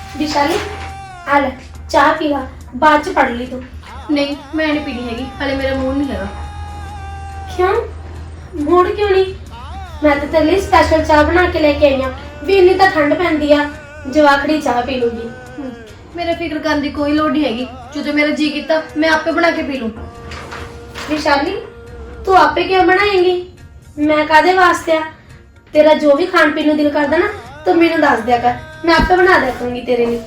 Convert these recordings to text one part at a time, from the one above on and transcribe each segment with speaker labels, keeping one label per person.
Speaker 1: विशाली आ ले चाह पी ला बाद च पढ़ ली तू।
Speaker 2: नहीं मैं नहीं पीनी हैगी, हाले मेरा मूड नहीं हैगा।
Speaker 1: क्यों मूड क्यों नहीं? मैं तो तेरे लिए स्पेशल चाह बना के लेके आई हूं भी इन्नी तो ठंड पैंदी आ जवाखड़ी चाह पी लूगी।
Speaker 2: मेरा फिक्र करने की कोई लोड़ नहीं हैगी, जो मेरा जी किया मैं आपे बना के पी लूं।
Speaker 1: विशाली तू आपे क्यों बनाएंगी? मैं कादे वास्ते आ? तेरा जो भी खान पीन दिल करदा ना तो मैनू दस दिया कर, मैं आपे बना दिया करूंगी तेरे लिए।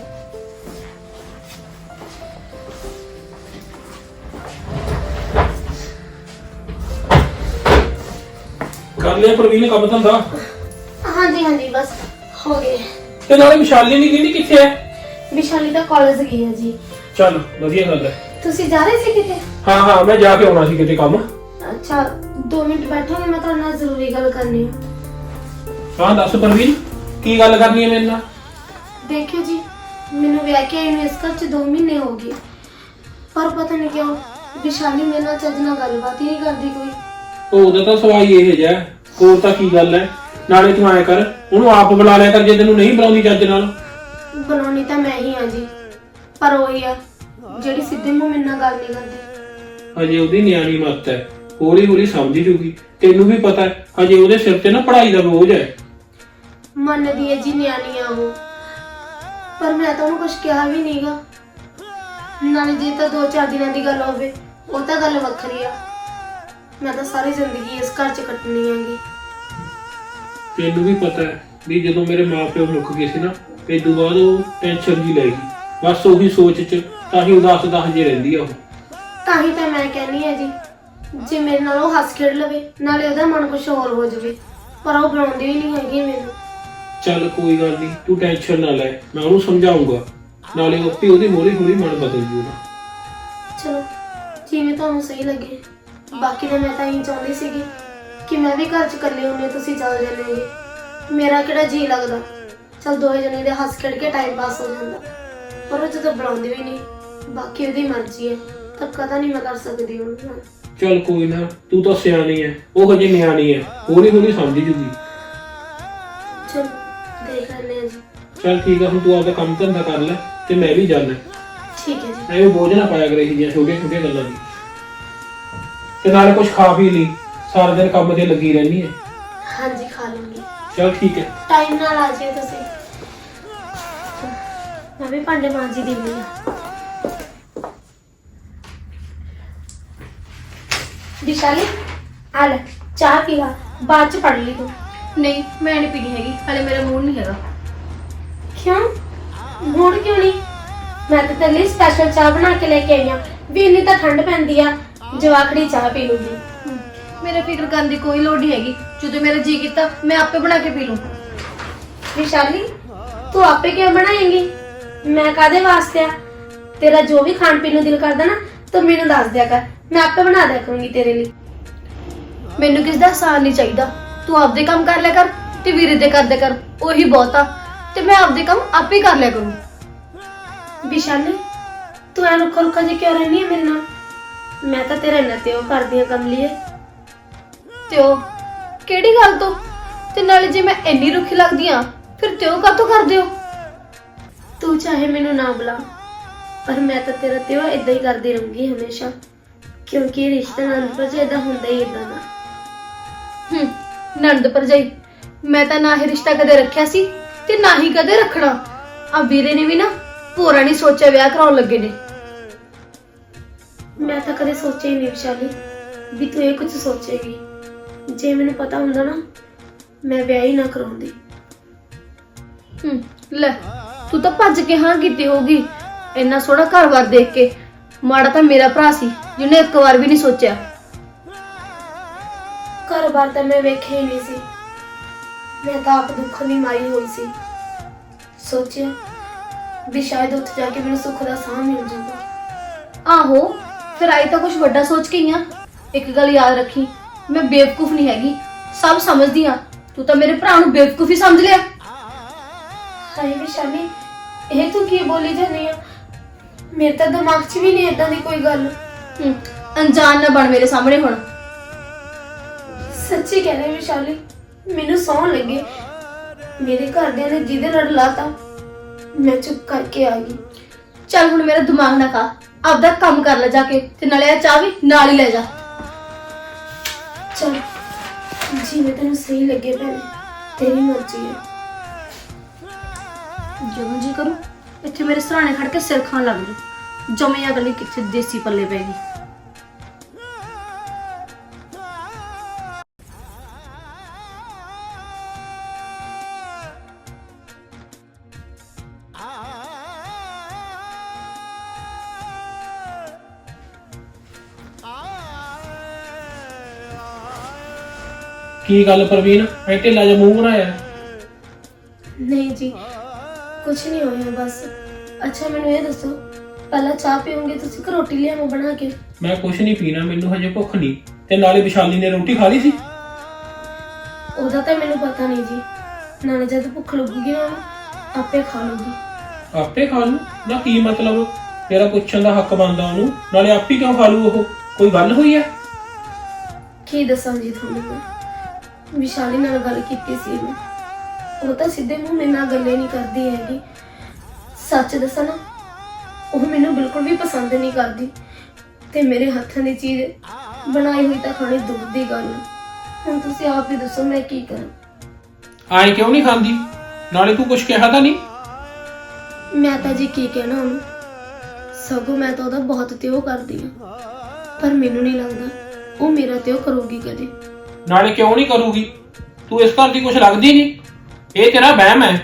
Speaker 3: कर लिया प्रवीण काम धंधा?
Speaker 1: हाँ जी बस हो गए।
Speaker 3: ते नाले विशाली नहीं कहती किथे है?
Speaker 1: विशाली तो कॉलेज गई है जी।
Speaker 3: चल वधिया गल है।
Speaker 1: तुसी जा रहे थे किते?
Speaker 3: हाँ मैं जाके आना सी किते काम।
Speaker 1: अच्छा 2 मिनट बैठोगे, मैं तो ना जरूरी गल करनी है।
Speaker 3: हाँ दस प्रवीण की गल करनी है मेरे नाल?
Speaker 1: देखियो जी मैनू विआह के आई इस घर च 2 महीने हो गए, पर पता नहीं क्यों विशाली मेरे नाल चज नाल गलबात ही नहीं करदी कोई।
Speaker 3: ਉਹਦਾ ਤਾਂ ਸਵਾਈ ਇਹ ਜਿਹਾ ਹੋਰ ਤਾਂ ਕੀ ਗੱਲ ਹੈ। ਨਾਲੇ ਤੂੰ ਐ ਕਰ ਉਹਨੂੰ ਆਪ ਬੁਲਾ ਲਿਆ ਕਰ ਜੇ ਤੈਨੂੰ ਨਹੀਂ ਬੁਲਾਉਂਦੀ ਚੱਜ ਨਾਲ।
Speaker 1: ਬਣਾਉਣੀ ਤਾਂ ਮੈਂ ਹੀ ਆ ਜੀ, ਪਰ ਉਹੀ ਆ ਜਿਹੜੀ ਸਿੱਧੇ ਮੂੰਹ ਮੇਰੇ ਨਾਲ ਗੱਲ ਨਹੀਂ ਕਰਦੀ।
Speaker 3: ਹਜੇ ਉਹਦੀ ਨਿਆਣੀ ਮੱਤ ਹੈ, ਹੌਲੀ ਹੌਲੀ ਸਮਝ ਜੂਗੀ। ਤੈਨੂੰ ਵੀ ਪਤਾ ਹੈ ਹਜੇ ਉਹਦੇ ਸਿਰ ਤੇ ਨਾ ਪੜ੍ਹਾਈ ਦਾ ਬੋਝ ਹੈ।
Speaker 1: ਮੰਨਦੀ ਹੈ ਜੀ ਨਿਆਣੀ ਆ ਉਹ, ਪਰ ਮੈਂ ਤਾਂ ਉਹਨੂੰ ਕੁਝ ਕਿਹਾ ਵੀ ਨਹੀਂਗਾ। ਨਾਲੇ ਜੇ ਤਾਂ 2-4 ਦਿਨਾਂ ਦੀ ਗੱਲ ਹੋਵੇ ਉਹ ਤਾਂ ਗੱਲ ਵੱਖਰੀ ਆ, ਮੈਂ ਤਾਂ ਸਾਰੀ ਜ਼ਿੰਦਗੀ ਇਸ ਘਰ 'ਚ ਕੱਟਣੀ ਆਂਗੀ।
Speaker 3: ਤੈਨੂੰ ਵੀ ਪਤਾ ਹੈ ਵੀ ਜਦੋਂ ਮੇਰੇ ਮਾਪਿਓ ਮੁੱਕ ਗਏ ਸੀ ਨਾ ਤੇ ਤੋਂ ਬਾਅਦ ਉਹ ਟੈਨਸ਼ਨ ਜੀ ਲੈ ਗਈ, ਬਸ ਉਹੀ ਸੋਚ 'ਚ ਤਾਂ ਹੀ ਉਦਾਸ ਜੇ ਰਹਿੰਦੀ ਆ ਉਹ।
Speaker 1: ਤਾਂ ਹੀ ਤਾਂ ਮੈਂ ਕਹਿੰਨੀ ਆ ਜੀ ਜੇ ਮੇਰੇ ਨਾਲ ਉਹ ਹੱਸ ਖੇਡ ਲਵੇ ਨਾਲੇ ਉਹਦਾ ਮਨ ਕੁਝ ਹੋਰ ਹੋ ਜਾਵੇ, ਪਰ ਉਹ ਬੁਲਾਉਂਦੀ ਵੀ ਨਹੀਂ ਹੈਗੀ ਮੈਨੂੰ।
Speaker 3: ਚੱਲ ਕੋਈ ਗੱਲ ਨਹੀਂ ਤੂੰ ਟੈਨਸ਼ਨ ਨਾ ਲੈ, ਮੈਂ ਉਹਨੂੰ ਸਮਝਾਉਂਗਾ, ਨਾਲੇ ਆਪੇ ਉਹਦੀ ਹੌਲੀ ਹੌਲੀ ਮਨ ਬਦਲ ਜੂਗਾ।
Speaker 1: ਚਲੋ ਜਿਵੇਂ ਤੁਹਾਨੂੰ ਸਹੀ ਲੱਗੇ। ਬਾਕੀ ਤਾਂ ਮੈਂ ਤਾਂ ਇਹ ਚਾਹੁੰਦੀ ਸੀਗੀ ਕਿ ਮੈਂ ਵੀ ਘਰ 'ਚ ਇਕੱਲੇ ਹੁੰਨੇ ਤੁਸੀਂ ਚੱਲ ਜਾਂਦੇ, ਮੇਰਾ ਕਿਹੜਾ ਜੀ ਲੱਗਦਾ। ਚਲ 2 ਜਣੇ ਦੇ ਹੱਸ ਖੇਡ ਕੇ ਟਾਈਮ ਪਾਸ ਹੋ ਜਾਂਦਾ, ਪਰ ਉਹ ਜਦੋਂ ਬੁਲਾਉਂਦੀ ਵੀ ਨਹੀਂ, ਬਾਕੀ ਉਹਦੀ ਮਰਜ਼ੀ ਹੈ, ਧੱਕਾ ਤਾਂ ਨਹੀਂ ਮੈਂ ਕਰ ਸਕਦੀ ਉਹਨੂੰ ਨਾਲ।
Speaker 3: ਚੱਲ ਕੋਈ ਨਾ ਤੂੰ ਤਾਂ ਸਿਆਣੀ ਹੈ, ਉਹ ਹਜੇ ਨਿਆਣੀ ਹੈ, ਹੌਲੀ ਹੌਲੀ ਸਮਝ ਜੂਗੀ।
Speaker 1: ਚਲ ਦੇਖ ਲੈਂਦੇ ਹਾਂ ਜੀ।
Speaker 3: ਚੱਲ ਠੀਕ ਆ, ਹੁਣ ਤੂੰ ਆਪਦਾ ਕੰਮ ਧੰਦਾ ਕਰ ਲੈ ਤੇ ਮੈਂ ਵੀ ਜਾਣਾ।
Speaker 1: ਠੀਕ ਹੈ ਜੀ।
Speaker 3: ਐਵੇਂ ਬੋਝ ਨਾ ਪਾਇਆ ਕਰੇ ਇਹ ਛੋਟੀਆਂ ਗੱਲਾਂ ਦੀ, ਤੇ ਨਾਲੇ ਕੁਝ ਖਾ ਪੀ ਲਈ, ਸਾਰਾ ਦਿਨ ਕੰਮ ਤੇ ਲੱਗੀ ਰਹਿਣੀ ਹੈ।
Speaker 1: ਹਾਂਜੀ ਖਾ ਲੂੰਗੀ।
Speaker 3: ਚੱਲ ਠੀਕ ਹੈ।
Speaker 1: ਟਾਈਮ ਨਾਲ ਆ ਜਾਇਓ ਤੁਸੀਂ। ਮੈਂ ਵੀ ਭਾਂਡੇ ਮਾਂਜੀ ਦੇਣੀ ਆ। विशाली आ ले चाह पी ला बाद च पढ़ ली तू।
Speaker 2: नहीं मैं नहीं पीनी हैगी, हाले मेरा मूड नहीं हैगा।
Speaker 1: क्यों मूड क्यों नहीं? मैं तो तेरे लिए स्पेशल चाह बना के लेके आई हूं भी इन्नी तो ठंड पैंदी आ जवाखड़ी चाह पी लूगी।
Speaker 2: मेरा फिक्र करने की कोई लोड़ नहीं हैगी, जो मेरा जी किया मैं आपे बना के पी लूं।
Speaker 1: विशाली तू आपे क्यों बनाएंगी? मैं कादे वास्ते आ? तेरा जो भी खान पीन दिल करदा ना तो मैनू दस दिया कर, मैं आपे बना दिया करूंगी तेरे लिए।
Speaker 2: मैनू किस दा एहसान नहीं चाहिए, तू आपदे काम कर लिया कर ते वीरे दे कर दे कर, ओही बहुत आ ते मैं आपदे काम आपे कर लिया करूं।
Speaker 1: विशाली तू ऐ रुखा रुखा जी क्यों रहनी है मेरे नाल? मैं तो तेरे इन्ना ते करदी हां कम लिए
Speaker 2: ते ओ केड़ी गल तो ते नाले जे मैं इन्नी रुखी लगदी हां फिर ते ओ कातों कर दियो?
Speaker 1: तू चाहे मैनू ना बुला पर मैं तो तेरा त्यो इदा ही करती रहूंगी हमेशा, क्योंकि रिश्ता नंद भरजाई दा हुंदा ही इदा दा।
Speaker 2: नंद भरजाई मैं तो ना ही रिश्ता कदे रखिया सी ते ना ही कदे रखना। आ वीरे ने भी ना पूरा नहीं सोचा विआह कराउण लगे ने।
Speaker 1: मैं तो कदे सोचा ही नहीं विशाली भी तू ये कुछ सोचेगी। जे मैनू पता हुंदा ना मैं विआह ही ना कराउंदी।
Speaker 2: ले तू तो भज के हाँ कीती होगी, इन्ना सोहना घर-बार देख के। माड़ा तो मेरा भरा सी जिन्हें एक बार भी नहीं सोचा।
Speaker 1: घर बार तो मैं वेखे ही नहीं सी, मैं तो आप दुख नहीं मारी हुई सी। सोचिया भी शायद उत्थे जाके मैनू सुख दा साह मिल जाऊगा।
Speaker 2: आहो फिर आई तो कुछ बड़ा सोच के ही आ। एक गल याद रखी, मैं बेवकूफ नहीं हैगी, सब समझदी हां। तू तो मेरे भरा नूं बेवकूफ ही समझ लिया।
Speaker 1: हाय विशाली ये तू की बोली जानी है? मेरे तो दिमाग च भी नहीं इदां दी कोई गल।
Speaker 2: अनजान ना बन मेरे सामने हुण।
Speaker 1: सच्ची कह रही विशाली, मैनू सौं लगे मेरे घरदियां ने जिहदे लड़ लाता ਮੈਂ ਚੁੱਪ ਕਰਕੇ ਆ ਗਈ।
Speaker 2: ਚੱਲ ਹੁਣ ਮੇਰਾ ਦਿਮਾਗ ਨਾ ਖਾ, ਆਪਦਾ ਕੰਮ ਕਰ ਲੈ ਜਾ ਕੇ, ਤੇ ਨਾਲੇ ਆ ਚਾਹ ਵੀ ਨਾਲ ਹੀ ਲੈ ਜਾ।
Speaker 1: ਚਲ ਜਿਵੇਂ ਤੈਨੂੰ ਸਹੀ ਲੱਗੇ ਭੈਣੇ, ਤੇਰੀ ਮਰਜ਼ੀ ਹੈ।
Speaker 2: ਜਦੋਂ ਜੀ ਕਰੂ ਇੱਥੇ ਮੇਰੇ ਸਰਾਣੇ ਖੜ ਕੇ ਸਿਰ ਖਾਣ ਲੱਗ ਜੂ। ਜਮੇ ਅਗਲੀ ਕਿੱਥੇ ਦੇਸੀ ਪੱਲੇ ਪੈਗੀ।
Speaker 3: ਕੀ ਗੱਲ ਪ੍ਰਵੀਨ, ਐ ਢਿੱਲਾ ਜਿਹਾ ਮੂੰਹ ਬਣਾਇਆ?
Speaker 1: ਨਹੀਂ ਜੀ, ਕੁਛ ਨਹੀਂ ਹੋਇਆ ਬਸ। ਅੱਛਾ ਮੈਨੂੰ ਇਹ ਦੱਸੋ, ਪਹਿਲਾਂ ਚਾਹ ਪੀਓਗੇ ਤੁਸੀਂ ਕਿ ਰੋਟੀ ਲਿਆਵਾਂ ਬਣਾ ਕੇ?
Speaker 3: ਮੈਂ ਕੁਛ ਨਹੀਂ ਪੀਣਾ, ਮੈਨੂੰ ਹਜੇ ਭੁੱਖ ਨਹੀਂ। ਤੇ ਨਾਲੇ ਵਿਸ਼ਾਲੀ ਨੇ ਰੋਟੀ ਖਾ ਲਈ ਸੀ?
Speaker 1: ਉਹਦਾ ਤਾਂ ਮੈਨੂੰ ਪਤਾ ਨਹੀਂ ਜੀ, ਨਾਲੇ ਜਦ ਭੁੱਖ ਲੱਗੂਗੀ ਨਾ ਆਪੇ ਖਾ ਲੂਗੀ।
Speaker 3: ਆਪੇ ਖਾ ਲੂ ਨਾ? ਕੀ ਮਤਲਬ? ਤੇਰਾ ਪੁੱਛਣ ਦਾ ਹੱਕ ਬਣਦਾ ਉਹਨੂੰ, ਨਾਲੇ ਆਪੇ ਕਿਉਂ ਖਾ ਲੂ? ਉਹ ਕੋਈ ਗੱਲ ਹੋਈ ਹੈ?
Speaker 1: ਕੀ ਦੱਸਾਂ ਜੀ ਤੁਹਾਨੂੰ, ਮੈਂ ਵਿਸ਼ਾਲੀ ਨਾਲ ਗੱਲ ਕੀਤੀ ਸੀ ਮੈਂ। ਉਹ ਤਾਂ ਸਿੱਧੇ ਮੂੰਹ ਮੇਰੇ ਨਾਲ ਗੱਲੇ ਨਹੀਂ ਕਰਦੀ ਹੈਗੀ। ਸੱਚ ਦੱਸਾਂ ਨਾ, ਉਹ ਮੈਨੂੰ ਬਿਲਕੁਲ ਵੀ ਪਸੰਦ ਨਹੀਂ ਕਰਦੀ, ਤੇ ਮੇਰੇ ਹੱਥਾਂ ਦੀ ਚੀਜ਼ ਬਣਾਈ ਹੋਈ ਤਾਂ ਖਾਣੀ ਦੂਰ ਦੀ ਗੱਲ ਹੈ। ਹੁਣ ਤੁਸੀਂ ਆਪ ਹੀ ਦੱਸੋ ਮੈਂ ਕੀ ਕਰਾਂ।
Speaker 3: ਆਏ ਕਿਉਂ ਨਹੀਂ ਖਾਂਦੀ? ਨਾਲੇ ਤੂੰ ਕੁਛ ਕਿਹਾ ਤਾਂ ਨਹੀਂ?
Speaker 1: ਮੈਂ ਤਾਂ ਜੀ ਕੀ ਕਹਿਣਾ ਉਹਨੂੰ, ਸਗੋਂ ਮੈਂ ਤਾਂ ਉਹਦਾ ਬਹੁਤ ਤਿਉ ਕਰਦੀ ਹਾਂ, ਪਰ ਮੈਨੂੰ ਨਹੀਂ ਲੱਗਦਾ ਉਹ ਮੇਰਾ ਤਿਉ ਕਰੂਗੀ ਕਦੇ।
Speaker 3: ਨਾਲੇ ਕਿਉਂ ਨਹੀਂ ਕਰੂਗੀ? ਤੂੰ ਇਸ ਘਰ ਦੀ ਕੁਛ ਲੱਗਦੀ ਨਹੀਂ, ਇਹ ਤੇਰਾ ਵਹਿਮ ਹੈ।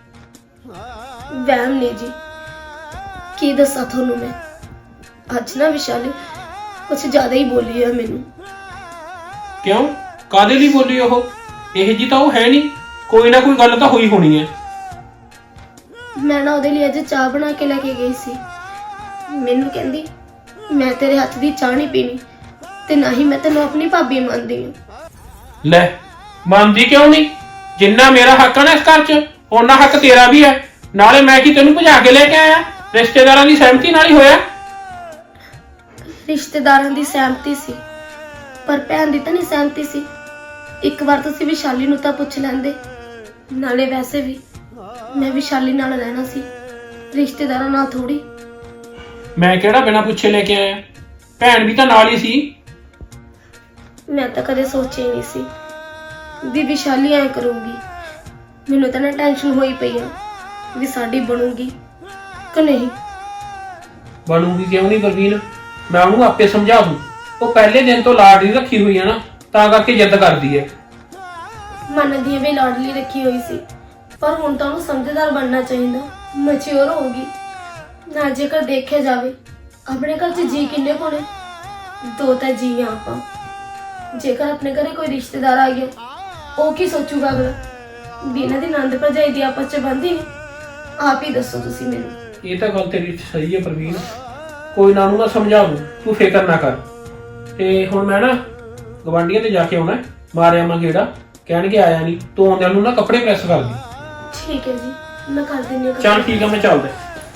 Speaker 1: ਵਹਿਮ ਨਹੀਂ ਜੀ, ਕੀ ਦੱਸਾਂ ਤੁਹਾਨੂੰ ਮੈਂ। ਅੱਜ ਨਾ ਵਿਸ਼ਾਲੀ ਕੁਛ ਜ਼ਿਆਦਾ ਹੀ ਬੋਲੀ ਹੈ ਮੈਨੂੰ।
Speaker 3: ਕਿਉਂ? ਕਾਦੇ ਲਈ ਬੋਲੀ ਉਹ? ਇਹ ਜੀ ਤਾਂ ਉਹ ਹੈ ਨਹੀਂ, ਕੋਈ ਨਾ ਕੋਈ ਗੱਲ ਤਾਂ ਹੋਈ ਹੋਣੀ ਹੈ।
Speaker 1: ਮੈਂ ਨਾ ਉਹਦੇ ਲਈ ਅੱਜ ਚਾਹ ਬਣਾ ਕੇ ਲੈ ਕੇ ਗਈ ਸੀ। ਮੈਨੂੰ ਕਹਿੰਦੀ ਮੈਂ ਤੇਰੇ ਹੱਥ ਦੀ ਚਾਹ ਨਹੀਂ ਪੀਣੀ, ਤੇ ਨਾ ਹੀ ਮੈਂ ਤੈਨੂੰ ਆਪਣੀ ਭਾਬੀ ਮੰਨਦੀ ਹਾਂ।
Speaker 3: ਲੈ, ਮੰਨਦੀ ਕਿਉਂ ਨਹੀਂ? ਜਿੰਨਾ ਮੇਰਾ ਹੱਕ ਹੈ ਨਾ ਇਸ ਘਰ 'ਚ, ਓਨਾ ਹੱਕ ਤੇਰਾ ਵੀ ਹੈ। ਨਾਲੇ ਮੈਂ ਕੀ ਤੈਨੂੰ ਭਜਾ ਕੇ ਲੈ ਕੇ ਆਇਆ? ਰਿਸ਼ਤੇਦਾਰਾਂ ਦੀ ਸਹਿਮਤੀ ਨਾਲ ਹੀ ਹੋਇਆ।
Speaker 1: ਰਿਸ਼ਤੇਦਾਰਾਂ ਦੀ ਸਹਿਮਤੀ ਸੀ, ਪਰ ਭੈਣ ਦੀ ਤਾਂ ਨਹੀਂ ਸਹਿਮਤੀ ਸੀ। ਇੱਕ ਵਾਰ ਤੁਸੀਂ ਵਿਸ਼ਾਲੀ ਨੂੰ ਤਾਂ ਪੁੱਛ ਲੈਂਦੇ। ਨਾਲੇ ਵੈਸੇ ਵੀ ਮੈਂ ਵਿਸ਼ਾਲੀ ਨਾਲ ਰਹਿਣਾ ਸੀ, ਰਿਸ਼ਤੇਦਾਰਾਂ ਨਾਲ ਥੋੜੀ।
Speaker 3: ਮੈਂ ਕਿਹੜਾ ਬਿਨਾਂ ਪੁੱਛੇ ਲੈ ਕੇ ਆਇਆ? ਭੈਣ ਵੀ ਤਾਂ ਨਾਲ ਹੀ ਸੀ।
Speaker 1: ਮੈਂ ਤਾਂ ਕਦੇ ਸੋਚਿਆ ਹੀ ਨਹੀਂ ਸੀ ਵੀ ਵਿਸ਼ਾਲੀ ਐ ਕਰੂਗੀ। ਮੈਨੂੰ ਤਾਂ ਨਾ ਟੈਨਸ਼ਨ ਹੋਈ ਪਈ ਆ ਵੀ ਸਾਡੀ ਬਣੂਗੀ ਕਿ ਨਹੀਂ।
Speaker 3: ਬਣੂਗੀ ਕਿਉਂ ਨਹੀਂ ਪ੍ਰਵੀਨ? ਮੈਂ ਉਹਨੂੰ ਆਪੇ ਸਮਝਾ ਦੂੰ। ਉਹ ਪਹਿਲੇ ਦਿਨ ਤੋਂ ਲਾਡਲੀ ਰੱਖੀ ਹੋਈ ਹੈ ਨਾ, ਤਾਂ ਕਰਕੇ ਜਿੱਦ ਕਰਦੀ ਹੈ।
Speaker 1: ਮੰਨਦੀ ਵੀ ਲਾਡਲੀ ਰੱਖੀ ਹੋਈ ਸੀ, ਪਰ ਹੁਣ ਤਾਂ ਉਹਨੂੰ ਸਮਝਦਾਰ ਬਣਨਾ ਚਾਹੀਦਾ, ਮੈਚੁਰ ਹੋਊਗੀ ਨਾ। ਜੇਕਰ ਦੇਖਿਆ ਜਾਵੇ ਆਪਣੇ ਘਰ 'ਚ ਜੀ ਕਿੰਨੇ ਕੋਣੇ? ਦੋ ਤਾਂ ਜੀ ਆ ਆਪਾਂ। ਜੇਕਰ ਆਪਣੇ ਘਰੇ ਕੋਈ ਰਿਸ਼ਤੇਦਾਰ ਆ ਗਿਆ, ਉਹ ਕੀ ਸੋਚੂਗਾ ਅਗਲਾ? ਵੀ ਇਹਨਾਂ ਦੀ ਨੰਦ ਭਰਜਾਈ ਦੀ ਆਪਸ 'ਚ ਬਣਦੀ ਨੇ? ਆਪ ਹੀ ਦੱਸੋ ਤੁਸੀਂ ਮੈਨੂੰ।
Speaker 3: ਇਹ ਤਾਂ ਗੱਲ ਤੇਰੀ ਸਹੀ ਹੈ ਪ੍ਰਵੀਨ, ਕੋਈ ਨਾ, ਨੂੰ ਮੈਂ ਸਮਝਾ ਦੂੰ, ਤੂੰ ਫਿਕਰ ਨਾ ਕਰ। ਤੇ ਹੁਣ ਮੈਂ ਨਾ ਗਵਾਂਢੀਆਂ ਤੇ ਜਾ ਕੇ ਆਉਣਾ, ਮਾਰਿਆ ਮੈਂ ਗੇੜਾ, ਕਹਿਣਗੇ ਆਇਆ ਨਹੀਂ, ਤੂੰ ਆਉਂਦਿਆਂ ਨੂੰ ਨਾ ਕੱਪੜੇ ਪ੍ਰੈਸ ਕਰ ਦੀ।
Speaker 1: ਠੀਕ ਹੈ ਜੀ, ਮੈਂ ਕਰ ਦਿੰਦੀ ਹਾਂ।
Speaker 3: ਚੱਲ ਠੀਕ ਆ, ਮੈਂ ਚੱਲਦਾ।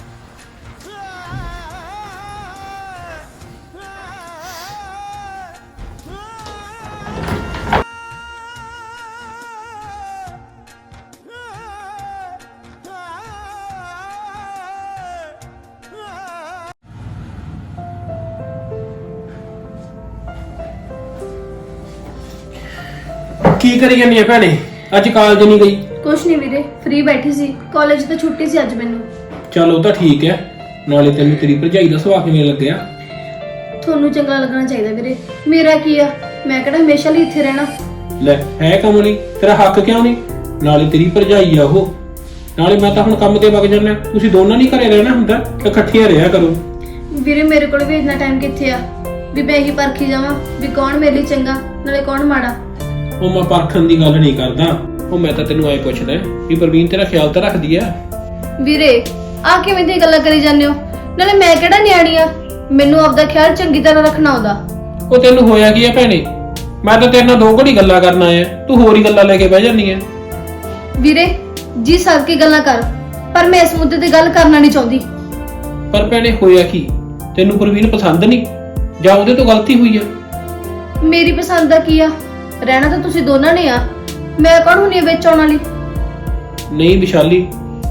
Speaker 3: ਕੀ ਕਰੀ ਜਾਂਦੀ ਹੈ ਭੈਣੇ? ਅੱਜ ਕਾਲਜ ਨਹੀਂ ਗਈ?
Speaker 2: ਕੁਛ ਨਹੀਂ ਵੀਰੇ, ਫ੍ਰੀ ਬੈਠੀ ਸੀ, ਕਾਲਜ ਤੋਂ ਛੁੱਟੀ ਸੀ ਅੱਜ ਮੈਨੂੰ।
Speaker 3: ਚਲ ਉਹ ਤਾਂ ਠੀਕ ਹੈ। ਨਾਲੇ ਤੈਨੂੰ ਤੇਰੀ ਭਰਜਾਈ ਦਾ ਸੁਭਾਅ ਕਿਵੇਂ ਲੱਗਿਆ?
Speaker 2: ਤੁਹਾਨੂੰ ਚੰਗਾ ਲੱਗਣਾ ਚਾਹੀਦਾ ਵੀਰੇ, ਮੇਰਾ ਕੀ ਆ, ਮੈਂ ਕਿਹੜਾ ਹਮੇਸ਼ਾ ਲਈ ਇੱਥੇ ਰਹਿਣਾ।
Speaker 3: ਲੈ, ਹੈ ਕੰਮ ਨਹੀਂ ਤੇਰਾ ਹੱਕ ਕਿਉਂ ਨਹੀਂ? ਨਾਲੇ ਤੇਰੀ ਭਰਜਾਈ ਆ ਉਹ। ਨਾਲੇ ਮੈਂ ਤਾਂ ਹੁਣ ਕੰਮ ਤੇ ਵਗ ਜਾਣਾ, ਤੁਸੀਂ ਦੋਨਾਂ ਨਹੀਂ ਘਰੇ ਰਹਿਣਾ ਹੁੰਦਾ, ਤੇ ਇਕੱਠੀਆਂ ਰਿਹਾ ਕਰੋ।
Speaker 2: ਵੀਰੇ ਮੇਰੇ ਕੋਲ ਵੀ ਇੰਨਾ ਟਾਈਮ ਕਿੱਥੇ ਆ ਵੀ ਮੈਂ ਹੀ ਪਰਖੀ ਜਾਵਾਂ ਵੀ ਕੌਣ ਮੇਰੇ ਲਈ ਚੰਗਾ ਨਾਲੇ ਕੌਣ ਮਾੜਾ।
Speaker 3: ਉਹ ਮੈਂ ਪਰਖਣ ਦੀ ਗੱਲ ਨਹੀਂ ਕਰਦਾ, ਉਹ ਮੈਂ ਤਾਂ ਤੈਨੂੰ ਐ ਪੁੱਛਦਾ ਵੀ ਪ੍ਰਵੀਨ ਤੇਰਾ ਖਿਆਲ ਤਾਂ ਰੱਖਦੀ ਆ?
Speaker 2: ਵੀਰੇ ਆ ਕਿਵੇਂ ਦੀਆਂ ਗੱਲਾਂ ਕਰੀ ਜਾਂਦੇ ਹੋ? ਨਾਲੇ ਮੈਂ ਕਿਹੜਾ ਨਿਆਣੀ ਆ, ਮੈਨੂੰ ਆਪਦਾ ਖਿਆਲ ਚੰਗੀ ਤਰ੍ਹਾਂ ਰੱਖਣਾ ਆਉਂਦਾ।
Speaker 3: ਉਹ ਤੈਨੂੰ ਹੋਇਆ ਕੀ ਆ ਭੈਣੇ? ਮੈਂ ਤਾਂ ਤੇਰੇ ਨਾਲ ਦੋ ਘੜੀ ਗੱਲਾਂ ਕਰਨ ਆਇਆ, ਤੂੰ ਹੋਰ ਹੀ ਗੱਲਾਂ ਲੈ ਕੇ ਬਹਿ ਜਾਂਦੀ ਐ।
Speaker 2: ਵੀਰੇ ਜੀ ਸਰ ਕੀ ਗੱਲਾਂ ਕਰ, ਪਰ ਮੈਂ ਇਸ ਮੁੱਦੇ ਤੇ ਗੱਲ ਕਰਨਾ ਨਹੀਂ ਚਾਹੁੰਦੀ।
Speaker 3: ਪਰ ਭੈਣੇ ਹੋਇਆ ਕੀ? ਤੈਨੂੰ ਪ੍ਰਵੀਨ ਪਸੰਦ ਨਹੀਂ ਜਾਂ ਉਹਦੇ ਤੋਂ ਗਲਤੀ ਹੋਈ ਆ?
Speaker 2: ਮੇਰੀ ਪਸੰਦ ਦਾ ਕੀ ਆ, ਰਹਿਣਾ ਤਾਂ ਤੁਸੀਂ ਦੋਨਾਂ ਨੇ ਆ, ਮੈਂ ਕੌਣ ਹੁੰਨੀ ਆ ਵਿੱਚ ਆਉਣ ਵਾਲੀ?
Speaker 3: ਨਹੀਂ ਵਿਸ਼ਾਲੀ,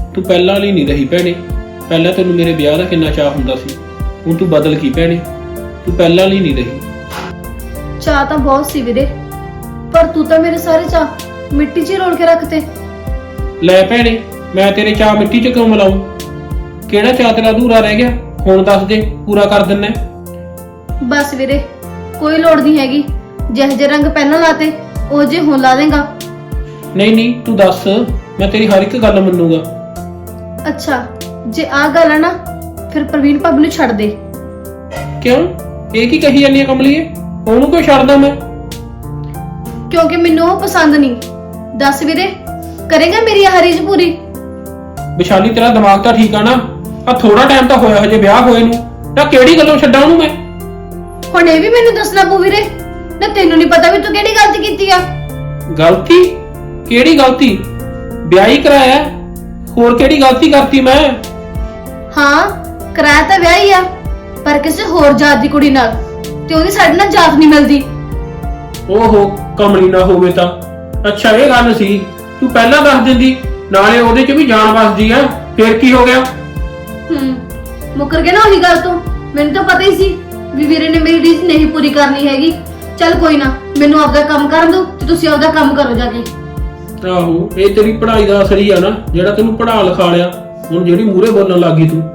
Speaker 3: ਤੂੰ ਪਹਿਲਾਂ ਵਾਲੀ ਨਹੀਂ ਰਹੀ ਭੈਣੇ। ਪਹਿਲਾਂ ਤੈਨੂੰ ਮੇਰੇ ਵਿਆਹ ਦਾ ਕਿੰਨਾ ਚਾਹ ਹੁੰਦਾ ਸੀ, ਹੁਣ ਤੂੰ ਬਦਲ ਗਈ ਭੈਣੇ। ਤੂੰ ਪਹਿਲਾਂ ਵਾਲੀ ਨਹੀਂ ਰਹੀ।
Speaker 2: ਚਾਹ ਤਾਂ ਬਹੁਤ ਸੀ ਵੀਰੇ, ਪਰ ਤੂੰ ਤਾਂ ਮੇਰੇ ਸਾਰੇ ਚਾਹ ਮਿੱਟੀ 'ਚ ਹੀ ਰੋਲ ਕੇ ਰੱਖਤੇ।
Speaker 3: ਲੈ ਭੈਣੇ, ਮੈਂ ਤੇਰੇ ਚਾਹ ਮਿੱਟੀ 'ਚ ਕਿਉਂ ਮਿਲਾਉਂ? ਕਿਹੜਾ ਚਾਹ ਤੇਰਾ ਅਧੂਰਾ ਰਹਿ ਗਿਆ? ਹੁਣ ਦੱਸ ਦੇ, ਪੂਰਾ ਕਰ ਦਿੰਨਾ।
Speaker 2: ਬਸ ਵੀਰੇ, ਕੋਈ ਲੋੜ ਨਹੀਂ ਹੈਗੀ। ਜਿਹੇ ਜਿਹੇ ਰੰਗ ਪਹਿਲਾਂ ਲਾਤੇ ਉਹ ਜੇ ਹੁਣ ਲਾ ਦੇਗਾ।
Speaker 3: ਨਹੀਂ ਤੂੰ ਦੱਸ, ਮੈਂ ਤੇਰੀ ਹਰ ਇੱਕ ਗੱਲ ਮੰਨੂਗਾ।
Speaker 2: ਅੱਛਾ, ਜੇ ਆਹ ਗੱਲ ਹੈ ਨਾ, ਫਿਰ ਪ੍ਰਵੀਨ ਭਾਬੀ ਨੂੰ ਛੱਡ ਦੇ।
Speaker 3: ਕਿਉਂ? ਇਹ ਕੀ ਕਹੀ ਜਾਂਦੀ ਆ ਕਮਲੀਏ? ਉਹਨੂੰ ਕਿਉਂ ਛੱਡਦਾ ਮੈਂ?
Speaker 2: ਕਿਉਂਕਿ ਮੈਨੂੰ ਉਹ ਪਸੰਦ ਨਹੀਂ। ਦੱਸ ਵੀਰੇ, ਕਰੇਗਾ ਮੇਰੀ ਆਹ ਰੀਝ ਪੂਰੀ?
Speaker 3: ਵਿਸ਼ਾਲੀ, ਤੇਰਾ ਦਿਮਾਗ ਤਾਂ ਠੀਕ ਆ ਨਾ? ਆ ਥੋੜਾ ਟਾਈਮ ਤਾਂ ਹੋਇਆ ਹਜੇ ਵਿਆਹ ਹੋਏ ਨੂੰ, ਤਾਂ ਕਿਹੜੀ ਗੱਲੋਂ ਛੱਡਾਂ ਉਹਨੂੰ ਮੈਂ?
Speaker 2: ਹੁਣ ਇਹ ਵੀ ਮੈਨੂੰ ਦੱਸਣਾ ਪਊ ਵੀਰੇ, ਨਾ ਤੈਨੂੰ ਨਹੀਂ ਪਤਾ ਵੀ ਤੂੰ ਕਿਹੜੀ ਗਲਤੀ ਕੀਤੀ ਆ?
Speaker 3: ਗਲਤੀ? ਕਿਹੜੀ ਗਲਤੀ? ਵਿਆਹ ਹੀ ਕਰਾਇਆ, ਹੋਰ ਕਿਹੜੀ ਗਲਤੀ ਕਰਤੀ ਮੈਂ?
Speaker 2: ਹਾਂ, ਕਰਾਇਆ ਤਾਂ ਵਿਆਹ ਹੀ ਆ, ਪਰ ਕਿਸੇ ਹੋਰ ਜਾਤ ਦੀ ਕੁੜੀ ਨਾਲ, ਤੇ ਉਹਦੀ ਸਾਡੇ ਨਾਲ ਜਾਤ ਨਹੀਂ ਮਿਲਦੀ।
Speaker 3: ਓਹੋ, ਕਮਲੀ ਨਾ ਹੋਵੇ ਤਾਂ। ਅੱਛਾ, ਇਹ ਗੱਲ ਸੀ। ਤੂੰ ਪਹਿਲਾਂ ਦੱਸ ਦਿੰਦੀ, ਨਾਲੇ ਉਹਦੇ 'ਚ ਵੀ ਜਾਨ ਵਸਦੀ ਆ, ਫੇਰ ਕੀ ਹੋ ਗਿਆ?
Speaker 2: ਮੁੱਕਰ ਗਿਆ ਨਾ ਉਹੀ ਗੱਲ ਤੋਂ। ਮੈਨੂੰ ਤਾਂ ਪਤਾ ਹੀ ਸੀ ਵੀ ਵੀਰੇ ਨੇ ਮੇਰੀ ਰੀਝ ਨਹੀਂ ਪੂਰੀ ਕਰਨੀ ਹੈਗੀ। ਚੱਲ ਕੋਈ ਨਾ, ਮੈਨੂੰ ਆਪਦਾ ਕੰਮ ਕਰਨ ਦਿਓ ਤੇ ਤੁਸੀਂ ਆਪਦਾ ਕੰਮ ਕਰੋ ਜਾ ਕੇ।
Speaker 3: ਆਹੋ, ਇਹ ਤੇਰੀ ਪੜ੍ਹਾਈ ਦਾ ਅਸਰ ਹੀ ਆ ਨਾ, ਜਿਹੜਾ ਤੈਨੂੰ ਪੜ੍ਹਾ ਲਿਖਾ ਲਿਆ। ਹੁਣ ਜਿਹੜੀ ਮੂਹਰੇ ਬੋਲਣ ਲੱਗੀ ਤੂੰ।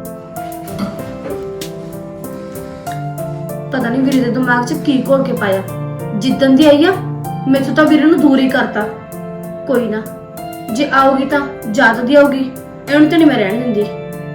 Speaker 2: ਪਤਾ ਨਹੀਂ ਵੀਰੇ ਦੇ ਦਿਮਾਗ 'ਚ ਕੀ ਘੋਲ ਕੇ ਪਾਇਆ। ਜਿੱਦਣ ਦੀ ਆਈ ਆ, ਮੈਥੋਂ ਤਾਂ ਵੀਰੇ ਨੂੰ ਦੂਰ ਹੀ ਕਰਤਾ। ਕੋਈ ਨਾ, ਜੇ ਆਉਗੀ ਤਾਂ ਜਾਤ ਦੀ ਆਉਗੀ, ਇਹਨੂੰ ਤਾਂ ਨਹੀਂ ਮੈਂ ਰਹਿਣ ਦਿੰਦੀ।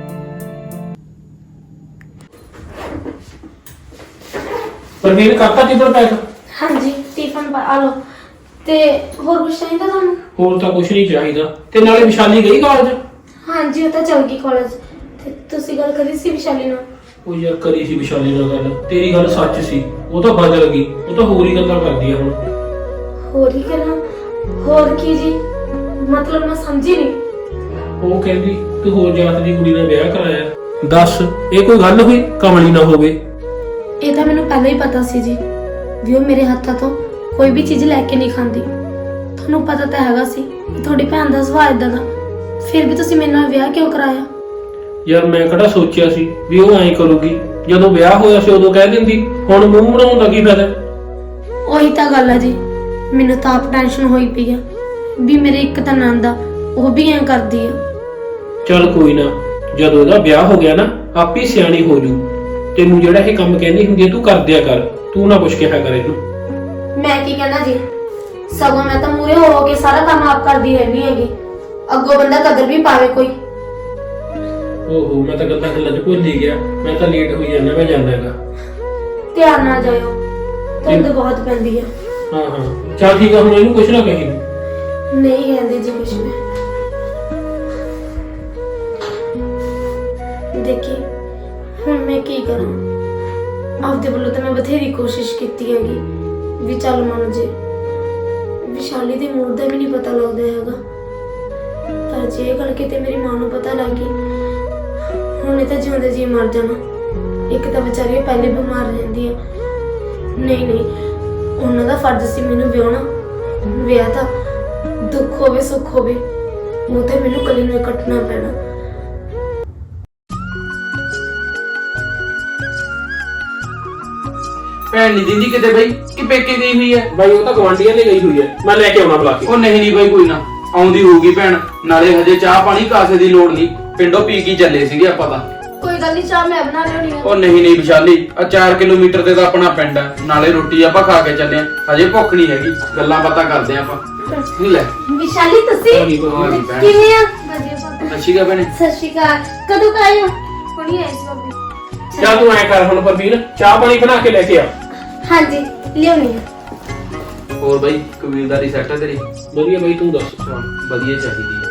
Speaker 3: ਪ੍ਰਵੀਨ, ਕਰਤਾ ਟਿਫਨ ਪੈਕ?
Speaker 1: ਹਾਂਜੀ, ਟਿਫਨ ਆ ਲਓ। ਤੇ ਹੋਰ ਕੁਝ ਚਾਹੀਦਾ ਤੁਹਾਨੂੰ?
Speaker 3: ਹੋਰ ਤਾਂ ਕੁਝ ਨਹੀਂ ਚਾਹੀਦਾ। ਤੇ ਨਾਲੇ ਵਿਸ਼ਾਲੀ ਗਈ ਕਾਲਜ?
Speaker 1: ਹਾਂਜੀ, ਉਹ ਤਾਂ ਚਲ ਗਈ ਕਾਲਜ। ਤੇ ਤੁਸੀਂ ਗੱਲ ਕਰੀ ਸੀ ਵਿਸ਼ਾਲੀ ਨਾਲ?
Speaker 3: ਉਹ ਯਾਰ, ਕਰੀ ਸੀ ਵਿਸ਼ਾਲੀ ਨਾਲ ਗੱਲ। ਤੇਰੀ ਗੱਲ ਸੱਚ ਸੀ, ਉਹ ਤਾਂ ਬਦਲ ਗਈ। ਉਹ ਤਾਂ ਹੋਰ ਹੀ ਗੱਲਾਂ ਕਰਦੀ ਆ ਹੁਣ।
Speaker 1: ਹੋਰ ਹੀ ਗੱਲਾਂ? ਹੋਰ ਕੀ ਜੀ? ਮਤਲਬ ਮੈਂ ਸਮਝੀ ਨਹੀਂ।
Speaker 3: ਉਹ ਕਹਿੰਦੀ ਤੂੰ ਹੋਰ ਜਾਤ ਦੀ ਕੁੜੀ ਨਾਲ ਵਿਆਹ ਕਰਾਇਆ। ਦੱਸ, ਇਹ ਕੋਈ ਗੱਲ ਹੋਈ? ਕਮਲੀ ਨਾ ਹੋਵੇ।
Speaker 1: ਇਹ ਤਾਂ ਮੈਨੂੰ ਪਹਿਲਾਂ ਹੀ ਪਤਾ ਸੀ ਜੀ ਵੀ ਉਹ ਮੇਰੇ ਹੱਥਾਂ ਤੋਂ ਕੋਈ ਵੀ ਚੀਜ਼ ਲੈ ਕੇ ਨਹੀਂ ਖਾਂਦੀ। ਤੁਹਾਨੂੰ ਪਤਾ ਤਾਂ ਹੈਗਾ ਸੀ ਕਿ ਤੁਹਾਡੀ ਭੈਣ ਦਾ ਸੁਭਾਅ ਇਦਾਂ ਦਾ, ਫਿਰ ਵੀ ਤੁਸੀਂ ਮੇਰੇ ਨਾਲ ਵਿਆਹ ਕਿਉਂ ਕਰਾਇਆ?
Speaker 3: ਯਾਰ, ਮੈਂ ਕਿਹੜਾ ਸੋਚਿਆ ਸੀ ਵੀ ਉਹ ਐਂ ਕਰੂਗੀ? ਜਦੋਂ ਵਿਆਹ ਹੋਇਆ ਸੀ ਉਦੋਂ ਕਹਿ ਦਿੰਦੀ, ਹੁਣ ਮੂੰਹ ਬਣਾਉਣ ਦਾ ਕੀ ਫਾਇਦਾ?
Speaker 1: ਉਹੀ ਤਾਂ ਗੱਲ ਹੈ ਜੀ, ਮੈਨੂੰ ਤਾਂ ਆਪ ਟੈਨਸ਼ਨ ਹੋਈ ਪਈ ਆ ਵੀ ਮੇਰੇ ਇੱਕ ਤਾਂ ਨੰਦ ਆ, ਉਹ ਵੀ ਐਂ ਕਰਦੀ ਆ।
Speaker 3: ਚੱਲ ਕੋਈ ਨਾ, ਜਦੋਂ ਉਹਦਾ ਵਿਆਹ ਹੋ ਗਿਆ ਨਾ, ਆਪੇ ਸਿਆਣੀ ਹੋ ਜੂ। ਤੈਨੂੰ ਜਿਹੜਾ ਇਹ ਕੰਮ ਕਹਿੰਦੀ ਹੁੰਦੀ ਹੈ ਤੂੰ ਕਰ ਦਿਆ ਕਰ, ਤੂੰ ਨਾ ਕੁਛ ਕਿਹਾ ਕਰ ਇਹਨੂੰ।
Speaker 1: ਮੈਂ ਕੀ ਕਹਿਣਾ ਜੀ, ਸਗੋਂ ਮੈਂ ਤਾਂ ਮੂਰੇ ਹੋ ਕੇ ਸਾਰਾ ਕੰਮ ਆਪ ਕਰਦੀ ਰਹਿੰਦੀ ਹੈਗੀ। ਅੱਗੋਂ ਬੰਦਾ ਕਦਰ ਵੀ ਪਾਵੇ ਕੋਈ।
Speaker 3: ਓਹੋ, ਮੈਂ ਤਾਂ ਗੱਲਾਂ ਚ ਭੁੱਲ ਹੀ ਗਿਆ। ਮੈਂ ਤਾਂ ਲੇਟ ਹੋਈ ਜਾਂਦਾ, ਮੈਂ ਜਾਂਦਾ ਹੈਗਾ।
Speaker 1: ਧਿਆਨ ਨਾਲ ਜਾਇਓ, ਧੁੰਦ ਬਹੁਤ ਪੈਂਦੀ ਆ।
Speaker 3: ਹਾਂ, ਚੱਲ ਠੀਕ ਆ, ਹੁਣ ਇਹਨੂੰ ਕੁਛ ਨਾ ਕਹੀ।
Speaker 1: ਨਹੀਂ ਕਹਿੰਦੇ ਜੀ ਕੁਛ। ਮੈਂ ਦੇਖੀ ਹੁਣ ਮੈਂ ਕੀ ਕਰਾਂ। ਆਪਦੇ ਵੱਲੋਂ ਤਾਂ ਮੈਂ ਬਥੇਰੀ ਕੋਸ਼ਿਸ਼ ਕੀਤੀ ਹੈਗੀ ਵੀ ਚੱਲ ਮੰਨ ਜੇ। ਵਿਸ਼ਾਲੀ ਦੇ ਮੂਡ ਦਾ ਵੀ ਨਹੀਂ ਪਤਾ ਲੱਗਦਾ ਹੈਗਾ, ਪਰ ਜੇ ਇਹ ਗੱਲ ਕਿਤੇ ਮੇਰੀ ਮਾਂ ਨੂੰ ਪਤਾ ਲੱਗ ਗਈ, ਹੁਣ ਇਹ ਤਾਂ ਜਿਉਂਦੇ ਜੀ ਮਰ ਜਾਣਾ। ਇੱਕ ਤਾਂ ਵਿਚਾਰੀ ਉਹ ਪਹਿਲੇ ਬਿਮਾਰ ਰਹਿੰਦੀ ਆ। ਨਹੀਂ, ਉਹਨਾਂ ਦਾ ਫਰਜ਼ ਸੀ ਮੈਨੂੰ ਵਿਆਹਣਾ। ਵਿਆਹ ਤਾਂ ਦੁੱਖ ਹੋਵੇ ਸੁੱਖ ਹੋਵੇ, ਉਹ ਤਾਂ ਮੈਨੂੰ ਕੱਲੀ ਨੂੰ ਕੱਟਣਾ ਪੈਣਾ।
Speaker 4: ਭੈਣ ਨਹੀਂ ਦਿੰਦੀ ਕਿਤੇ ਬਈ, ਕਿ ਪੇਕੇ ਗਈ ਹੋਈ ਹੈ?
Speaker 3: ਬਾਈ, ਉਹ ਤਾਂ ਗਵਾਂਢੀਆਂ ਦੇ ਗਈ ਹੋਈ ਹੈ, ਮੈਂ ਲੈ ਕੇ ਆਉਣਾ ਬੁਲਾ ਕੇ।
Speaker 4: ਉਹ ਨਹੀਂ ਬਾਈ, ਕੋਈ ਨਾ, ਆਉਂਦੀ ਹੋਊਗੀ ਭੈਣ। ਨਾਲੇ ਹਜੇ ਚਾਹ ਪਾਣੀ ਕਾਸੇ ਦੀ ਲੋੜ ਨਹੀਂ, ਪਿੰਡੋਂ ਪੀ ਕੇ ਚੱਲੇ ਸੀਗੇ ਆਪਾਂ ਤਾਂ।
Speaker 2: ਕੋਈ ਗੱਲ ਨਹੀਂ, ਚਾਹ ਮੈਂ ਬਣਾ ਲਿਆਉਣੀ ਆ।
Speaker 4: ਉਹ ਨਹੀਂ ਵਿਸ਼ਾਲੀ, ਆ 4 ਕਿਲੋਮੀਟਰ ਤੇ ਤਾਂ ਆਪਣਾ ਪਿੰਡ ਹੈ, ਨਾਲੇ ਰੋਟੀ ਆਪਾਂ ਖਾ ਕੇ ਚੱਲੇ ਆ। ਹਜੇ ਭੁੱਖ ਨਹੀਂ ਹੈਗੀ, ਗੱਲਾਂ ਬਾਤਾਂ ਕਰਦੇ ਆ ਆਪਾਂ। ਨਹੀਂ ਲੈ
Speaker 1: ਵਿਸ਼ਾਲੀ, ਤੁਸੀਂ ਕਿਵੇਂ ਆ? ਵਧੀਆ।
Speaker 4: ਅੱਛੀ ਗਾ ਭੈਣੇ।
Speaker 1: ਸਤਿ ਸ਼੍ਰੀ ਅਕਾਲ। ਕਦੋਂ ਆਏ ਹੋ? ਹੁਣੀ ਆਏ ਸੀ ਬਾਬੀ।
Speaker 3: ਚੱਲ ਤੂੰ ਐ ਕਰ ਹੁਣ ਪ੍ਰਵੀਨ, ਚਾਹ ਪਾਣੀ ਬਣਾ ਕੇ ਲੈ ਕੇ ਆ।
Speaker 1: ਹਾਂਜੀ, ਲਿਆਉਣੀ ਆ।
Speaker 4: ਹੋਰ ਬਾਈ, ਕਬੀਲਦਾਰੀ ਸੈੱਟ ਹੈ ਤੇਰੀ?
Speaker 3: ਵਧੀਆ ਬਾਈ, ਤੂੰ ਦੱਸ।
Speaker 4: ਵਧੀਆ ਚਾਹੀਦੀ ਹੈ।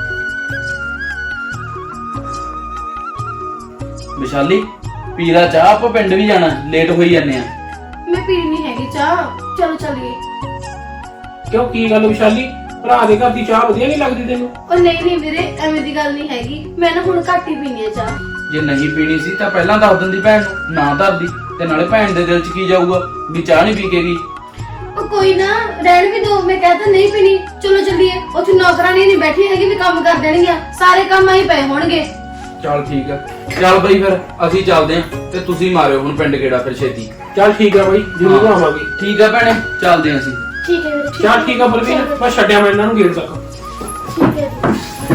Speaker 4: ਵਿਸ਼ਾਲੀ, ਪੀਲਾ ਚਾਹ, ਆਪਾਂ ਪਿੰਡ ਵੀ ਜਾਣਾ, ਲੇਟ ਹੋਈ ਜਾਂਦੇ ਆ।
Speaker 2: ਮੈਂ ਪੀਣੀ ਨਹੀਂ ਹੈਗੀ ਚਾਹ, ਚਲੋ ਚੱਲੀਏ।
Speaker 3: ਕਿਉਂ, ਕੀ ਗੱਲ ਵਿਸ਼ਾਲੀ? ਭਰਾ ਦੇ ਘਰ ਦੀ ਚਾਹ ਵਧੀਆ ਨਹੀਂ ਲੱਗਦੀ ਤੈਨੂੰ?
Speaker 2: ਉਹ ਨਹੀਂ ਵੀਰੇ, ਐਵੇਂ ਦੀ ਗੱਲ ਨਹੀਂ ਹੈਗੀ। ਮੈਂ ਨਾ ਹੁਣ ਘੱਟ ਹੀ ਪੀਣੀ ਆ ਚਾਹ।
Speaker 4: ਜੇ ਨਹੀਂ ਪੀਣੀ ਸੀ ਤਾਂ ਪਹਿਲਾਂ ਦੱਸ ਦਿੰਦੀ ਭੈਣ ਨੂੰ, ਨਾ ਧਰਦੀ। ਤੇ ਨਾਲੇ ਭੈਣ ਦੇ ਦਿਲ 'ਚ ਕੀ ਜਾਊਗਾ ਵੀ ਚਾਹ ਨਹੀਂ ਪੀ ਕੇ ਗਈ।
Speaker 2: ਉਹ ਕੋਈ ਨਾ ਰਹਿਣ ਵੀ ਦੋ, ਮੈਂ ਕਹਤਾ ਨਹੀਂ ਪੀਣੀ, ਚਲੋ ਚੱਲੀਏ। ਉੱਥੇ ਨੌਕਰਾਨੀ ਨਹੀਂ ਬੈਠੀ ਹੈਗੀ ਵੀ ਕੰਮ ਕਰ ਦੇਣਗੀਆਂ, ਸਾਰੇ ਕੰਮ ਆਹੀ ਪਏ ਹੋਣਗੇ।
Speaker 4: ਚੱਲ ਠੀਕ ਆ, ਚੱਲ ਬਈ ਫਿਰ ਅਸੀਂ ਚੱਲਦੇ ਆਂ ਤੇ ਤੁਸੀਂ ਮਾਰਿਓ ਹੁਣ ਪਿੰਡ ਗੇੜਾ ਫਿਰ ਛੇਤੀ।
Speaker 3: ਚੱਲ ਠੀਕ ਆ ਬਾਈ, ਜ਼ਰੂਰ ਆਵਾਂਗੇ।
Speaker 4: ਠੀਕ ਆ ਭੈਣੇ, ਚੱਲਦੇ ਆਂ ਅਸੀਂ।
Speaker 1: ਠੀਕ ਹੈ ਵੀਰੇ,
Speaker 3: ਚੱਲ ਠੀਕ ਆ ਪ੍ਰਵੀਨ, ਮੈਂ ਛੱਡਿਆ ਮੈਂ ਇਹਨਾਂ ਨੂੰ ਗੇਟ ਤੱਕ।
Speaker 1: ਠੀਕ ਹੈ ਜੀ।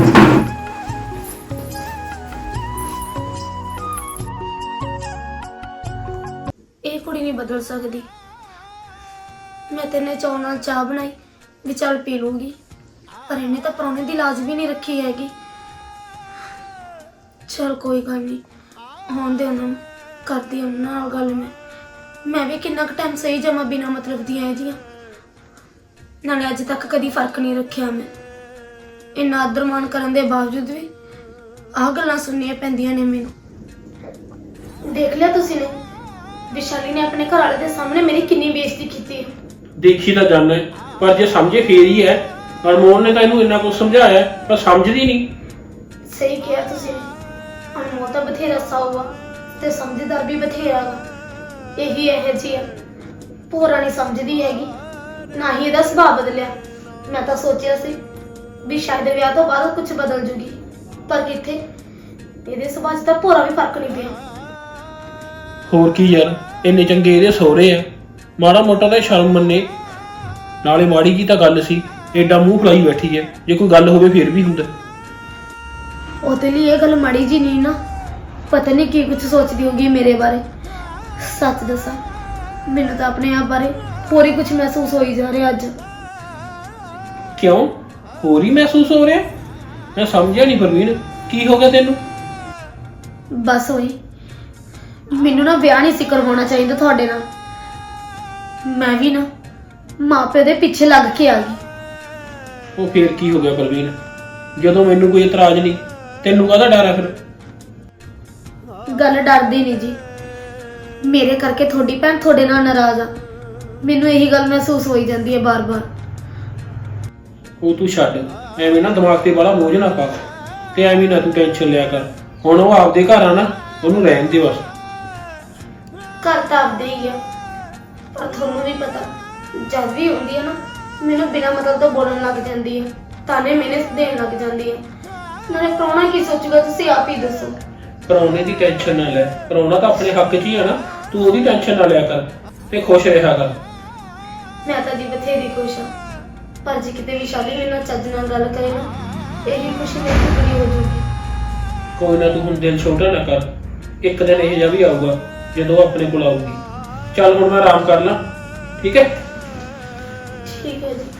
Speaker 1: ਇਹ ਕੁੜੀ ਨਹੀਂ ਬਦਲ ਸਕਦੀ। ਮੈਂ ਤੇਨੇ ਚਾਹ ਨਾਲ ਚਾਹ ਬਣਾਈ ਵੀ ਚੱਲ ਪੀ ਲੂੰਗੀ, ਪਰ ਇਹਨੇ ਤਾਂ ਪ੍ਰਾਹੁਣੇ ਦੀ ਲਾਜ ਵੀ ਨਹੀਂ ਰੱਖੀ ਹੈਗੀ। ਚਲ ਕੋਈ ਗੱਲ ਨਹੀਂ, ਹੋਣ ਦੇ ਉਹਨਾਂ ਨੂੰ, ਕਰਦੀ ਉਹਨਾਂ ਨਾਲ ਗੱਲ। ਮੈਂ ਵੀ ਕਿੰਨਾ ਕੁ ਟਾਈਮ ਸਹੀ ਜਮਾ ਬਿਨਾ ਮਤਲਬ ਦੀਆਂ ਇਹਦੀਆਂ। ਨਾਲੇ ਅੱਜ ਤੱਕ ਕਦੀ ਫਰਕ ਨਹੀਂ ਰੱਖਿਆ ਮੈਂ। ਇੰਨਾ ਆਦਰ-ਮਾਣ ਕਰਨ ਦੇ ਬਾਵਜੂਦ ਵੀ ਆਹ ਗੱਲਾਂ ਸੁਣਨੀਆਂ ਪੈਂਦੀਆਂ ਨੇ ਮੈਨੂੰ। ਦੇਖ ਲਿਆ ਤੁਸੀਂ ਨੇ, ਵਿਸ਼ਾਲੀ ਨੇ ਆਪਣੇ ਘਰ ਵਾਲੇ ਦੇ ਸਾਹਮਣੇ ਮੇਰੀ ਕਿੰਨੀ ਬੇਇੱਜ਼ਤੀ ਕੀਤੀ ਹੈ।
Speaker 3: ਦੇਖੀ ਤਾਂ ਜਾਣਾ, ਪਰ ਜੇ ਸਮਝੇ ਫੇਰ ਹੀ ਹੈ। ਅਨਮੋਲ ਨੇ ਤਾਂ ਇਹਨੂੰ ਇੰਨਾ ਕੁਝ ਸਮਝਾਇਆ, ਪਰ ਸਮਝਦੀ ਨਹੀਂ।
Speaker 1: ਸਹੀ ਕਿਹਾ ਤੁਸੀਂ ਨੇ, ਅਨਮੋਲ ਤਾਂ ਬਥੇਰਾ ਸਾਊ ਆ ਤੇ ਸਮਝਦਾਰ ਵੀ ਬਥੇਰਾ ਵਾ। ਇਹੀ ਇਹੋ ਜਿਹੀ ਆ, ਭੋਰਾ ਨਹੀਂ ਸਮਝਦੀ ਹੈਗੀ, ਨਾ ਹੀ ਇਹਦਾ ਸੁਭਾਅ ਬਦਲਿਆ। ਮੈਂ ਤਾਂ ਸੋਚਿਆ ਸੀ ਵੀ ਸ਼ਾਇਦ ਵਿਆਹ ਤੋਂ ਬਾਅਦ ਕੁਝ ਬਦਲ ਜੂਗੀ, ਪਰ ਕਿੱਥੇ, ਇਹਦੇ ਸੁਭਾਅ 'ਚ ਤਾਂ ਭੋਰਾ ਵੀ ਫਰਕ ਨਹੀਂ ਪਿਆ।
Speaker 3: ਹੋਰ ਕੀ ਯਾਰ, ਇੰਨੇ ਚੰਗੇ ਇਹਦੇ ਸਹੁਰੇ ਆ, ਮਾੜਾ ਮੋਟਾ ਤਾਂ ਸ਼ਰਮ ਮੰਨੇ। ਨਾਲੇ ਮਾੜੀ ਜੀ ਤਾਂ ਗੱਲ ਸੀ, ਐਡਾ ਮੂੰਹ ਫਲਾਈ ਬੈਠੀ ਹੈ। ਜੇ ਕੋਈ ਗੱਲ ਹੋਵੇ ਫੇਰ ਵੀ ਹੁੰਦਾ।
Speaker 1: ਉਹਦੇ ਲਈ ਇਹ ਗੱਲ ਮਾੜੀ ਜੀ ਨਹੀਂ ਨਾ, ਪਤਾ ਨਹੀਂ ਕੀ ਕੁਝ ਸੋਚਦੀ ਹੋਗੀ ਮੇਰੇ ਬਾਰੇ। ਸੱਚ ਦੱਸਾਂ, ਮੈਨੂੰ ਤਾਂ ਆਪਣੇ ਆਪ ਬਾਰੇ ਹੋਰ ਹੀ ਕੁਝ ਮਹਿਸੂਸ ਹੋਈ ਜਾ ਰਿਹਾ ਅੱਜ।
Speaker 3: ਕਿਉਂ, ਹੋਰ ਹੀ ਮਹਿਸੂਸ ਹੋ ਰਿਹਾ? ਮੈਂ ਸਮਝਿਆ ਨਹੀਂ ਪ੍ਰਵੀਨ, ਕੀ ਹੋ ਗਿਆ ਤੈਨੂੰ?
Speaker 1: ਬਸ ਹੋਈ, ਮੈਨੂੰ ਨਾ ਵਿਆਹ ਨਹੀਂ ਸੀ ਕਰਵਾਉਣਾ ਚਾਹੀਦਾ ਤੁਹਾਡੇ ਨਾਲ। ਮੈਂ ਵੀ ਨਾ ਮਾਪੇ ਦੇ ਪਿੱਛੇ ਲੱਗ ਕੇ ਆ ਗਈ।
Speaker 3: ਉਹ ਫੇਰ ਕੀ ਹੋ ਗਿਆ ਪ੍ਰਵੀਨ? ਜਦੋਂ ਮੈਨੂੰ ਕੋਈ ਇਤਰਾਜ਼ ਨਹੀਂ, ਤੈਨੂੰ ਕਾਹਦਾ ਡਰ ਆ ਫਿਰ?
Speaker 1: ਗੱਲ ਡਰਦੀ ਨਹੀਂ ਜੀ, ਮੇਰੇ ਕਰਕੇ ਤੁਹਾਡੀ ਭੈਣ ਤੁਹਾਡੇ ਨਾਲ ਨਾਰਾਜ਼ ਆ। ਮੈਨੂੰ ਇਹੀ ਗੱਲ ਮਹਿਸੂਸ ਹੋਈ ਜਾਂਦੀ ਹੈ ਬਾਰ-ਬਾਰ।
Speaker 3: ਉਹ ਤੂੰ ਛੱਡ, ਐਵੇਂ ਨਾ ਦਿਮਾਗ ਤੇ ਬੜਾ ਬੋਝ ਨਾ ਪਾ, ਤੇ ਐਵੇਂ ਨਾ ਤੂੰ ਟੈਨਸ਼ਨ ਲਿਆ ਕਰ। ਹੁਣ ਉਹ ਆਪਦੇ ਘਰ ਆ ਨਾ, ਉਹਨੂੰ ਰਹਿਣ ਦੇ ਬਸ।
Speaker 1: ਘਰ ਤਾਂ ਆਪਦੇ ਹੀ ਆ, ਪਰ ਤੁਹਾਨੂੰ ਵੀ ਪਤਾ, ਜਦ ਵੀ ਹੁੰਦੀ ਹੈ ਨਾ, ਮੈਨੂੰ ਬਿਨਾਂ ਮਤਲਬ ਤੋਂ ਬੋਲਣ ਲੱਗ ਜਾਂਦੀ ਹੈ, ਤਾਨੇ ਮੈਨੇ ਦੇਣ ਲੱਗ ਜਾਂਦੀ ਹੈ। ਨਾਲੇ ਪ੍ਰਾਹੁਣਾ ਕੀ ਸੋਚੂਗਾ, ਤੁਸੀਂ ਆਪ ਹੀ ਦੱਸੋ।
Speaker 3: ਪ੍ਰਾਹੁਣੇ ਦੀ ਟੈਨਸ਼ਨ ਨਾ ਲੈ, ਪ੍ਰਾਹੁਣਾ ਤਾਂ ਆਪਣੇ ਹੱਕ 'ਚ ਹੀ ਆ ਨਾ, ਤੂੰ ਉਹਦੀ ਟੈਨਸ਼ਨ ਨਾ ਲਿਆ ਕਰ ਤੇ ਖੁਸ਼ ਰਿਹਾ ਕਰ।
Speaker 1: ਮੈਂ ਤਾਂ ਜੀ ਬਥੇਰੀ ਖੁਸ਼ ਹਾਂ, ਪਰ ਜੇ ਕਿਤੇ ਵਿਸ਼ਾਲੀ ਮੇਰੇ ਨਾਲ ਚੱਜ ਨਾਲ ਗੱਲ ਕਰੇ ਨਾ, ਇਹੀ ਖੁਸ਼ੀ ਮੇਰੀ ਤੋਂ ਪੂਰੀ ਹੋ ਜਾਊਗੀ।
Speaker 3: ਕੋਈ ਨਾ, ਤੂੰ ਹੁਣ ਦਿਲ ਛੋਟਾ ਨਾ ਕਰ, ਇੱਕ ਦਿਨ ਇਹ ਜਿਹਾ ਵੀ ਆਊਗਾ ਜਦੋਂ ਆਪਣੇ ਕੋਲ ਆਊਗੀ। ਚੱਲ ਹੁਣ ਮੈਂ ਆਰਾਮ ਕਰ ਲਾਂ, ਠੀਕ ਹੈ?
Speaker 1: ਠੀਕ ਹੈ ਜੀ।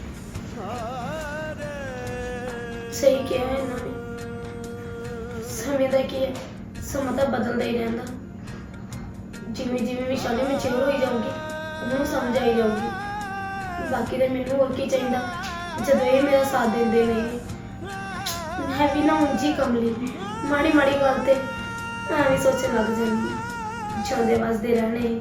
Speaker 1: ਸਹੀ ਕਿਹਾ ਹੈ ਇਹਨਾਂ ਨੇ, ਸਮੇਂ ਦਾ ਕੀ ਹੈ, ਸਮਾਂ ਤਾਂ ਬਦਲਦਾ ਹੀ ਰਹਿੰਦਾ। ਜਿਵੇਂ ਜਿਵੇਂ ਵਿਸ਼ਾਲੀ ਮੈਚੁਰ ਹੋਈ ਜਾਊਗੀ, ਉਹਨੂੰ ਸਮਝ ਆਈ ਜਾਊਗੀ। ਬਾਕੀ ਤਾਂ ਮੈਨੂੰ ਹੋਰ ਕੀ ਚਾਹੀਦਾ, ਜਦੋਂ ਇਹ ਮੇਰਾ ਸਾਥ ਦਿੰਦੇ ਨਹੀਂ। ਮੈਂ ਵੀ ਨਾ ਉਂਝੀ ਕਮਲੀ, ਮਾੜੀ ਮਾੜੀ ਗੱਲ ਤੇ ਐਵੇਂ ਸੋਚਣ ਲੱਗ ਜਾਂਦੀ ਹਾਂ, ਜਿਉਂਦੇ ਵਸਦੇ ਰਹਿਣੇ।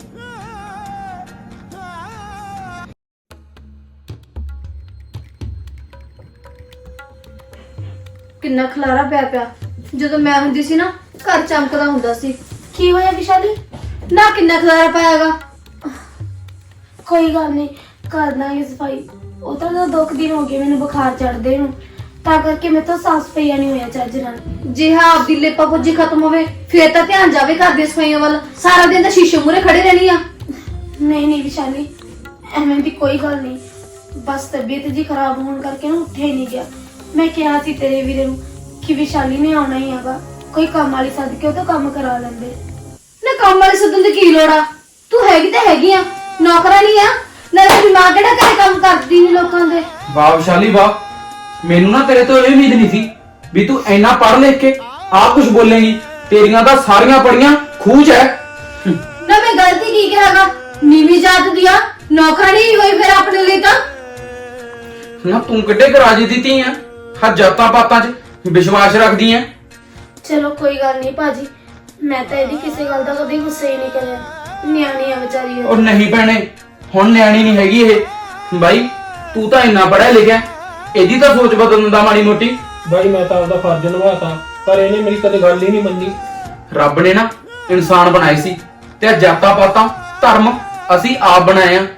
Speaker 2: ਕਿੰਨਾ ਖਲਾਰਾ ਪਿਆ ਪਿਆ। ਜਦੋਂ ਮੈਂ ਹੁੰਦੀ ਸੀ ਨਾ, ਘਰ ਚਮਕਦਾ ਹੁੰਦਾ ਸੀ।
Speaker 1: ਕੀ ਹੋਇਆ ਵਿਸ਼ਾਲੀ?
Speaker 2: ਨਾ ਕਿੰਨਾ ਖਲਾਰਾ ਪਾਇਆਗਾ।
Speaker 1: ਕੋਈ ਗੱਲ ਨਹੀਂ, ਕਰ ਦਾਂਗੇ ਸਫਾਈ। ਉਹ ਤਾਂ 2 ਦਿਨ ਹੋ ਗਏ ਮੈਨੂੰ ਬੁਖਾਰ ਚੜਦੇ ਨੂੰ, ਤਾਂ ਕਰਕੇ ਮੇਰੇ ਤੋਂ ਸਾਫ ਸਫਾਈਆ ਨਹੀਂ ਹੋਇਆ ਚੱਜ ਨਾਲ।
Speaker 2: ਜੇ ਹਾਂ ਆਪਦੀ ਲੇਪਾ ਪੁੱਜੀ ਖਤਮ ਹੋਵੇ, ਫੇਰ ਤਾਂ ਧਿਆਨ ਜਾਵੇ ਘਰ ਦੀਆਂ ਸਫਾਈਆਂ ਵੱਲ। ਸਾਰਾ ਦਿਨ ਤਾਂ ਸ਼ੀਸ਼ੇ ਮੂਹਰੇ ਖੜੇ ਰਹਿਣੀ ਆ।
Speaker 1: ਨਹੀਂ ਨਹੀਂ ਵਿਸ਼ਾਲੀ, ਐਵੇਂ ਦੀ ਕੋਈ ਗੱਲ ਨਹੀਂ, ਬਸ ਤਬੀਅਤ ਜੀ ਖਰਾਬ ਹੋਣ ਕਰਕੇ ਨਾ ਉੱਠਿਆ ਹੀ ਨਹੀਂ ਗਿਆ। ਮੈਂ ਕਿਹਾ ਸੀ ਤੇਰੇ ਵੀਰੇ ਨੂੰ ਕਿ ਵਿਸ਼ਾਲੀ ਨੇ ਆਉਣਾ ਹੀ ਹੈਗਾ, ਕੋਈ ਕੰਮ ਵਾਲੀ ਸੱਦ ਕੇ ਉਹ ਤੋਂ ਕੰਮ ਕਰਾ ਲੈਂਦੇ।
Speaker 2: ਨਾ ਕੰਮ ਵਾਲੇ ਸੱਦਣ ਦੀ ਕੀ ਲੋੜ ਆ? ਤੂੰ ਹੈਗੀ ਤਾਂ ਹੈਗੀ ਆ, ਨੌਕਰਾਨੀ ਆ। ਨਾਲੇ ਤੇਰੀ ਮਾਂ ਕਿਹੜਾ ਘਰੇ ਕੰਮ ਕਰਦੀ ਨਹੀਂ ਲੋਕਾਂ ਦੇ।
Speaker 4: ਵਾਹ ਵਿਸ਼ਾਲੀ ਵਾਹ, ਮੈਨੂੰ ਨਾ ਤੇਰੇ ਤੋਂ ਇਹ ਉਮੀਦ ਨਹੀਂ ਸੀ ਵੀ ਤੂੰ ਇੰਨਾ ਪੜ੍ਹ ਲਿਖ ਕੇ ਆਹ ਕੁਝ ਬੋਲੇਂਗੀ। ਤੇਰੀਆਂ ਤਾਂ ਸਾਰੀਆਂ ਪੜੀਆਂ ਖੂਚ ਹੈ।
Speaker 2: ਨਾ ਮੈਂ ਗਲਤੀ ਕੀ ਕਰਾਂਗਾ? ਨੀਵੀਂ ਜਾਤ ਦੀਆਂ ਨੌਕਰਾਨੀ ਹੀ ਹੋਈ ਫਿਰ ਆਪਣੇ ਲਈ ਤਾਂ।
Speaker 4: ਨਾ ਤੂੰ ਕਿੱਡੇ ਕਰਾਜੀ ਦਿੱਤੀ ਆ, ਹਾਂ ਜਾਤਾਂ ਪਾਤਾਂ 'ਚ ਵਿਸ਼ਵਾਸ ਰੱਖਦੀ ਆ।
Speaker 1: ਚਲੋ ਕੋਈ ਗੱਲ ਨਹੀਂ ਭਾਜੀ, ਮੈਂ ਤਾਂ ਇਹਦੀ ਕਿਸੇ ਗੱਲ ਦਾ ਕਦੇ ਗੁੱਸਾ ਹੀ ਨਹੀਂ ਕਰਿਆ। ਨਿਆਣੀ ਆ ਵਿਚਾਰੀ
Speaker 4: ਉਹ ਨਹੀਂ ਭੈਣੇ, ਹੁਣ ਨਿਆਣੀ ਨਹੀਂ ਹੈਗੀ ਇਹ। ਬਾਈ ਤੂੰ ਤਾਂ ਇੰਨਾ ਪੜ੍ਹਿਆ ਲਿਖਿਆ, ਇਹਦੀ ਤਾਂ ਸੋਚ ਬਦਲਣ ਦਾ ਮਾੜੀ ਮੋਟੀ।
Speaker 3: ਬਾਈ ਮੈਂ ਤਾਂ ਆਪਦਾ ਫਰਜ਼ ਨਿਭਾਤਾ, ਪਰ ਇਹਨੇ ਮੇਰੀ ਕਦੇ ਗੱਲ ਹੀ ਨਹੀਂ ਮੰਨੀ।
Speaker 4: ਰੱਬ ਨੇ ਨਾ ਇਨਸਾਨ ਬਣਾਏ ਸੀ, ਤੇ ਆਹ ਜਾਤਾਂ ਪਾਤਾਂ ਧਰਮ ਅਸੀਂ ਆਪ ਬਣਾਏ ਆ।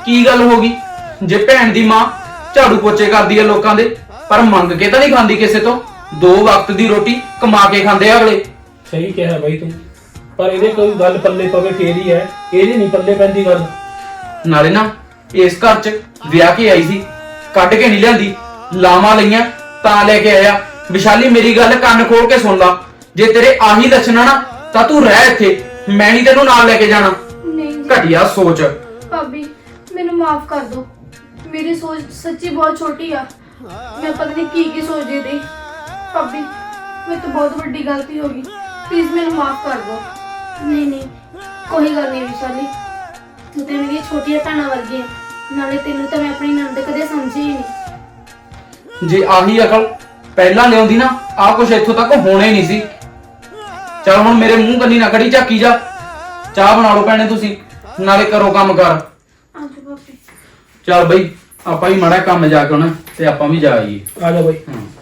Speaker 4: ਕੀ ਗੱਲ ਹੋ ਗਈ? ਜੇ ਭੈਣ ਦੀ ਮਾਂ ਝਾੜੂ ਪੋਚੇ ਕਰਦੀ ਹੈ ਲੋਕਾਂ ਦੇ, ਪਰ ਮੰਗ ਕੇ ਤਾਂ ਨਹੀਂ ਖਾਂਦੀ ਕਿਸੇ ਤੋਂ। 2 ਵਕਤ ਦੀ ਰੋਟੀ ਕਮਾ ਕੇ ਖਾਂਦੇ ਆ ਅਗਲੇ।
Speaker 3: ਸਹੀ ਕਿਹਾ ਬਾਈ ਤੂੰ, ਪਰ ਇਹਦੇ ਕੋਈ ਗੱਲ ਪੱਲੇ ਪਵੇ ਫੇਰ ਹੀ ਹੈ, ਇਹਦੇ ਨਹੀਂ ਪੱਲੇ ਪੈਂਦੀ ਗੱਲ।
Speaker 4: ਨਾਲੇ ਨਾ ਇਸ ਘਰ 'ਚ ਵਿਆਹ ਕੇ ਆਈ ਸੀ, ਕੱਢ ਕੇ ਨਹੀਂ ਲਿਆਂਦੀ, ਲਾਵਾਂ ਲਈਆਂ ਤਾਂ ਲੈ ਕੇ ਆਇਆ। ਵਿਸ਼ਾਲੀ ਮੇਰੀ ਗੱਲ ਕੰਨ ਖੋਲ ਕੇ ਸੁਣ ਲਾ, ਜੇ ਤੇਰੇ ਆਹੀ ਲੱਛਣ ਆ ਨਾ ਤਾਂ ਤੂੰ ਰਹਿ ਇੱਥੇ, ਮੈਂ ਨਹੀਂ ਤੈਨੂੰ ਨਾਲ ਲੈ ਕੇ ਜਾਣਾ।
Speaker 2: ਨਹੀਂ ਜੀ
Speaker 4: ਘਟੀਆ ਸੋਚ।
Speaker 2: ਭਾਬੀ ਮੈਨੂੰ ਮਾਫ ਕਰ ਦਿਓ, ਮੇਰੀ ਸੋਚ ਸੱਚੀ ਬਹੁਤ ਛੋਟੀ ਆ। ਮੈਂ ਪਤਾ ਨਹੀਂ ਕੀ ਸੋਚਦੀ ਸੀ। ਭਾਬੀ ਮੇਰੇ ਤੋਂ ਬਹੁਤ ਵੱਡੀ ਗਲਤੀ ਹੋ ਗਈ, ਪਲੀਜ਼ ਮੈਨੂੰ ਮਾਫ ਕਰ ਦਿਓ।
Speaker 1: ਨਹੀਂ ਨਹੀਂ, ਕੋਈ ਗੱਲ ਨਹੀਂ ਵਿਸ਼ਾਲੀ, ਤੂੰ ਤੇ ਮੇਰੀ ਛੋਟੀਆਂ ਭੈਣਾਂ ਵਰਗੀ ਹੈ। ਨਾਲੇ ਤੈਨੂੰ ਤਾਂ ਮੈਂ ਆਪਣੀ ਨਣਦ ਕਦੇ ਸਮਝੀ ਹੀ ਨਹੀਂ।
Speaker 4: ਜੇ ਆਹੀ ਅਕਲ ਪਹਿਲਾਂ ਲਿਆਉਂਦੀ ਨਾ, ਆਹ ਕੁਛ ਇੱਥੋਂ ਤੱਕ ਹੋਣਾ ਹੀ ਨਹੀਂ ਸੀ। ਚਲ ਹੁਣ ਮੇਰੇ ਮੂੰਹ ਕੰਨੀ ਨਾ ਖੜੀ ਝਾਕੀ ਜਾ। ਚਾਹ ਬਣਾ ਲਓ ਭੈਣੇ ਤੁਸੀਂ, ਨਾਲੇ ਕਰੋ ਕੰਮ ਕਰ।
Speaker 1: ਆਜੋ ਭਾਬੀ।
Speaker 4: ਚੱਲ ਬਈ ਆਪਾਂ ਵੀ ਮਾੜਾ ਕੰਮ ਜਾ ਕੇ ਆਉਣਾ ਤੇ ਆਪਾਂ ਵੀ ਜਾ ਆਈਏ।
Speaker 3: ਆ ਜਾ ਬਾਈ।
Speaker 4: ਹਾਂ।